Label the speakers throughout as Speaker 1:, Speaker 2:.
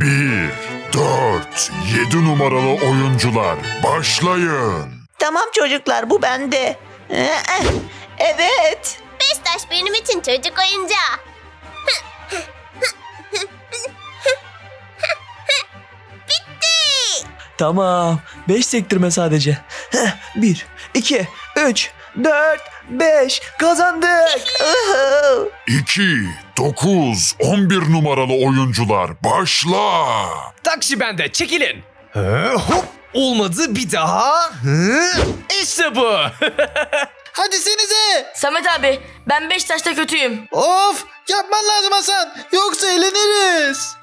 Speaker 1: 1, 4, 7 numaralı oyuncular başlayın.
Speaker 2: Tamam çocuklar, bu bende. Evet.
Speaker 3: Beşiktaş benim için çocuk oyuncağı. Bitti.
Speaker 4: Tamam. 5 sektirme sadece. 1, 2, 3, 4, 5. Kazandık.
Speaker 1: 2, 9, 11 numaralı oyuncular başla.
Speaker 5: Taksi bende, çekilin. Hop, olmadı, bir daha. İşte bu.
Speaker 6: Hadi senize.
Speaker 7: Samet abi ben Beşiktaş'ta kötüyüm.
Speaker 6: Of, yapman lazım Hasan. Yoksa eğleniriz.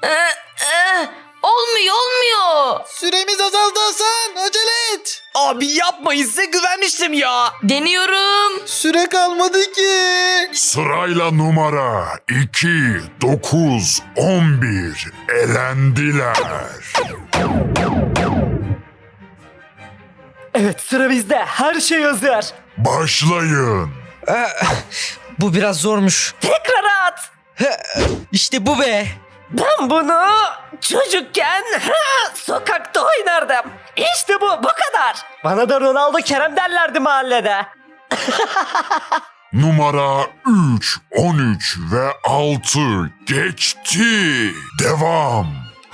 Speaker 7: Olmuyor.
Speaker 6: Süremiz azaldı Hasan. Acele et.
Speaker 5: Abi yapmayın, size güvenmiştim ya.
Speaker 7: Deniyorum.
Speaker 6: Süre kalmadı ki.
Speaker 1: Sırayla numara 2, 9, 11 elendiler.
Speaker 4: Evet, sıra bizde. Her şey hazır.
Speaker 1: Başlayın.
Speaker 4: Bu biraz zormuş. Tekrar at. İşte bu be. Ben bunu çocukken sokakta oynardım. İşte bu kadar. Bana da Ronaldo Kerem derlerdi mahallede.
Speaker 1: Numara 3, 13 ve 6 geçti. Devam.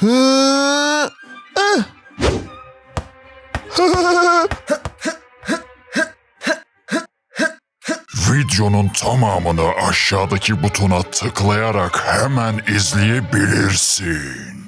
Speaker 1: Videonun tamamını aşağıdaki butona tıklayarak hemen izleyebilirsin.